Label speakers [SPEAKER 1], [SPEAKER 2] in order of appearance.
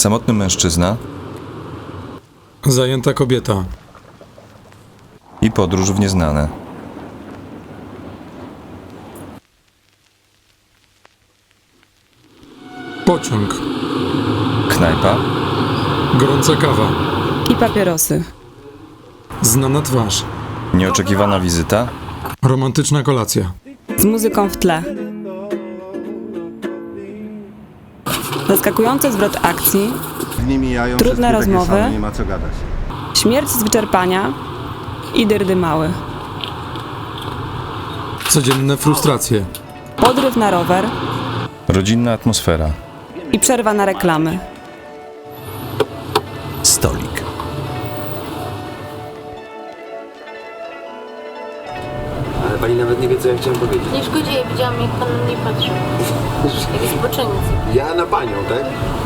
[SPEAKER 1] Samotny mężczyzna
[SPEAKER 2] Zajęta kobieta.
[SPEAKER 1] i podróż w nieznane.
[SPEAKER 2] Pociąg.
[SPEAKER 1] Knajpa,
[SPEAKER 2] Gorąca kawa.
[SPEAKER 3] I papierosy.
[SPEAKER 2] Znana twarz.
[SPEAKER 1] nieoczekiwana wizyta,
[SPEAKER 2] Romantyczna kolacja.
[SPEAKER 3] Z muzyką w tle. Zaskakujący zwrot akcji,
[SPEAKER 4] Dni mijają,
[SPEAKER 3] Trudne
[SPEAKER 4] wszystkie takie
[SPEAKER 3] rozmowy.
[SPEAKER 4] same, nie ma co gadać.
[SPEAKER 3] śmierć z wyczerpania i dyrdy mały.
[SPEAKER 2] Codzienne frustracje.
[SPEAKER 3] Podryw na rower
[SPEAKER 1] rodzinna atmosfera,
[SPEAKER 3] i przerwa na reklamy.
[SPEAKER 1] stolik.
[SPEAKER 5] Ale pani nawet nie wie, co ja chciałem powiedzieć.
[SPEAKER 6] Nie szkodzi, ja widziałam, jak pan na mnie patrzył. Jak spoczynek.
[SPEAKER 5] Ja na panią, tak?